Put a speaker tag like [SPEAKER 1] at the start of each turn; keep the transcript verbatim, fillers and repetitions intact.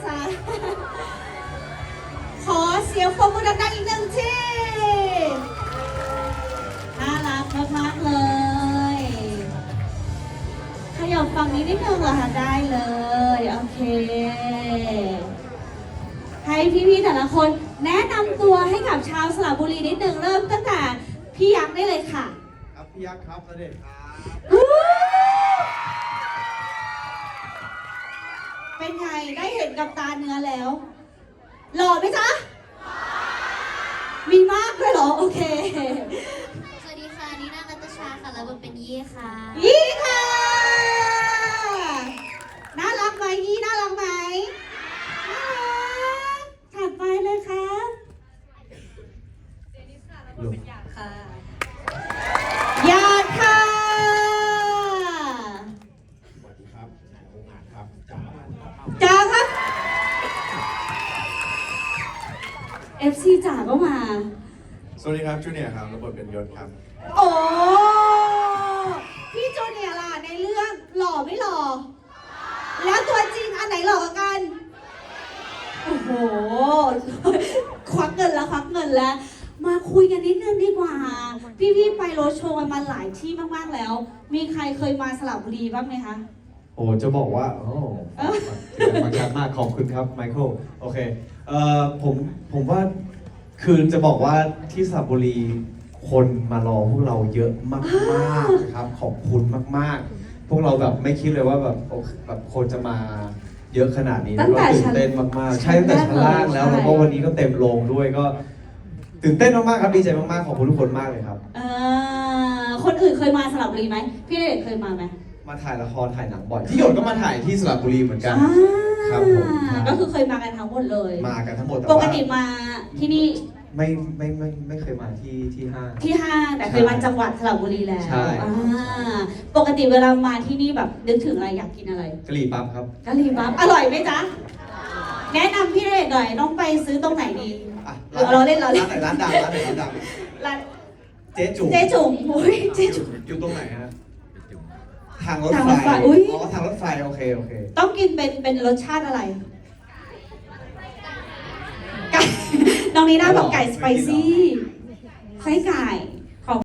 [SPEAKER 1] จ๊ะขอเสียงปรบมือดังๆอีกหนึ่งทีน่ารักมากๆเลยขยับฝั่งนี้นิดนึงเหรอคะได้เลยโอเคให้พี่ๆแต่ละคนแนะนำตัวให้กับชาวสระบุรีนิดนึงเริ่มตั้งแต่พี่ยักษ์ได้เลยค่ะ
[SPEAKER 2] ครับพี่ยักษ์ครับณเดชน์ครับ
[SPEAKER 1] เป็นไงได้เห็นกับตาเนื้อแล้วหล่อไหมจ๊ะมีมากเลยเหรอโอเค
[SPEAKER 3] สวัสดีค่ะนีน่านัตชาค่ะแล้วเป็นยี่ค่ะ
[SPEAKER 1] ยี่ค่ะน่ารักไหมยี่น่ารักไหมน่ารักถัดไปเลยครับ
[SPEAKER 4] เจนิสค่ะแล้วก็เป็นหยาดค่ะ
[SPEAKER 1] หยาดค่ะ
[SPEAKER 2] สวัสดีครับองค์อาจครับจ๋า
[SPEAKER 1] จ๋าครับ เอฟ ซี จ๋าก็มา
[SPEAKER 2] สวัสดีครับจูเนียร์ครับรับบทเป็นยศครับ
[SPEAKER 1] โอ้พี่จูเนียร์ล่ะในเรื่องหล่อไม่หล่อแล้วตัวจริงอันไหนหล่อกว่ากันโอ้โหควักเงินแล้วควักเงินแล้วมาคุยกันนิดนึงดีกว่าพี่ๆไปโรดโชว์กันมาหลายที่มากๆแล้วมีใครเคยมาสระบุรีบ้างไหมคะ
[SPEAKER 2] โอ้จะบอกว่าโอ้บางการมากขอบคุณครับไมเคิลโอเคเอ่อผมผมว่าคือจะบอกว่าที่สระบุรีคนมารอพวกเราเยอะมากๆนะครับขอบคุณมากๆพวกเราแบบไม่คิดเลยว่าแบบแบบคนจะมาเยอะขนาดนี้แล้วก็ตื่นเต้นมากๆใช่ตั้งแต่ชั้นล่างแล้วแล้วก็วันนี้ก็เต็มโรงด้วยก็ตื่นเต้นมากๆครับดีใจมากๆขอบคุณทุกคนมากเลยครับ
[SPEAKER 1] เออคนอื่นเคยมาสระบุรีไหมพี่ณเดชน์เคยมาไหม
[SPEAKER 2] มาถ่ายละครถ่ายหนังบ่อยที่หยดก็มาถ่ายที่สระบุรีเหมือนกันครับผม
[SPEAKER 1] ก็คือเคยมากันทั้งหมดเลย
[SPEAKER 2] มากันทั้งหมด
[SPEAKER 1] ปกติมาที่นี่
[SPEAKER 2] ไม่ไม่ไม่ไม่เคยมาที่ที่ห้าง
[SPEAKER 1] ที่ห้างแต่เคยมาจังหวัดสระบุรีแล้ว
[SPEAKER 2] ใช่
[SPEAKER 1] ปกติเวลามาที่นี่แบบนึกถึงอะไรอยากกินอะไร
[SPEAKER 2] กะหรี่ปั๊บครับ
[SPEAKER 1] กะหรี่ปั๊บอร่อยไหมจ๊ะแนะนำพี่ณเดชน์หน่อยต้องไปซื้อตรงไหนดีเราเล่นเราเล่น
[SPEAKER 2] ร้านไหนร้านดังร้านไหนร้านดัง
[SPEAKER 1] ร้าน
[SPEAKER 2] เจ๊จุ๋ม
[SPEAKER 1] เจ๊จุ๋มโอ้ยเจ๊จุ๋ม
[SPEAKER 2] อยู่ตรงไหนฮะทางรถไฟอ๋อทางรถไฟโอเคโอเค
[SPEAKER 1] ต้องกินเป็นเป็นรสชาติอะไรไก่น้องนีน่าบอกไก่สไปซี่ไส้ไก่